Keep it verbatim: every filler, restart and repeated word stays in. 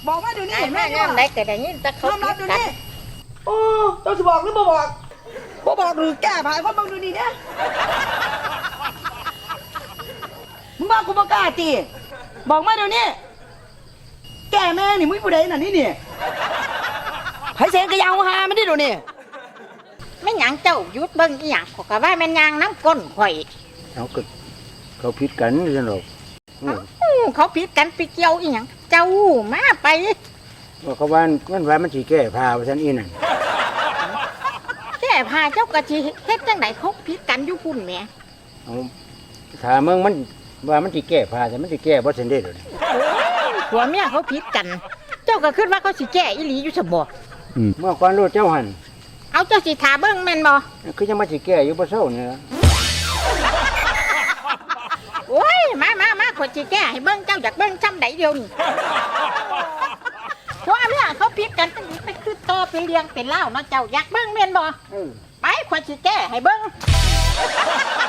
บอกมาเดี๋ยวนี้แม่งามได้ก็ได้ยินแต่เขายอมรับเดี๋ยวนี้โอ้เจ้าจะบอกหรือบ่บอกบ่บอกหรือแก้ภายคนบังดูนี่เนี่ยมึงว่ากูบ่กล้าตีบอกมาเดี๋ยวนี้แก้แม่นี่มึงผู้ใดน่ะนี่นี่ไผเสนกระยาวหามันดิเดี๋ยวนี้แม่หยังเจ้าหยุดเบิ่งอีหยังขอยก็ว่าแม่นยางน้ำก้นข่อยเอาก็เขาผิดกันนี่ซั่นดอกอืมอู้เขาผิดกันไปเกี่ยวอีหยังเจ้ามาไปว่าเขาว่ามันว่ามันสิแก้ผ้าว่าซั่นอีนั่นแก้ผ้าเจ้ากะสิเฮ็ดจังไดเขาผิดกันอยู่พุ่นแหมเอาถ้ามึงมันว่ามันสิแก้ผ้าแต่มันสิแก้บ่ซั่นเด้อเดี๋ยวนี้ผัวเมียเขาผิดกัน เจ้าก็คิดว่าเขาสิแก้อีหลีอยู่ซะบ่อืมเมื่อก่อนรู้เจ้าหั่นเอาเจ้าสิทาเบิ่งแม่นบ่คือยังมาสิแก้อยู่บ่เซานี่ล่ะโอ้ยมามามาข่อยสิแก้ให้เบิ่งเจ้าอยากเบิ่งซ้ำใดเดียวนี่ผัวเมียเขาผิดกันไปคือต่อเป็นเลี้ยงเป็นเล่าวเนาะเจ้าอยากเบิ่งแม่นบ่เออไปข่อยสิแก้ให้เบิ่ง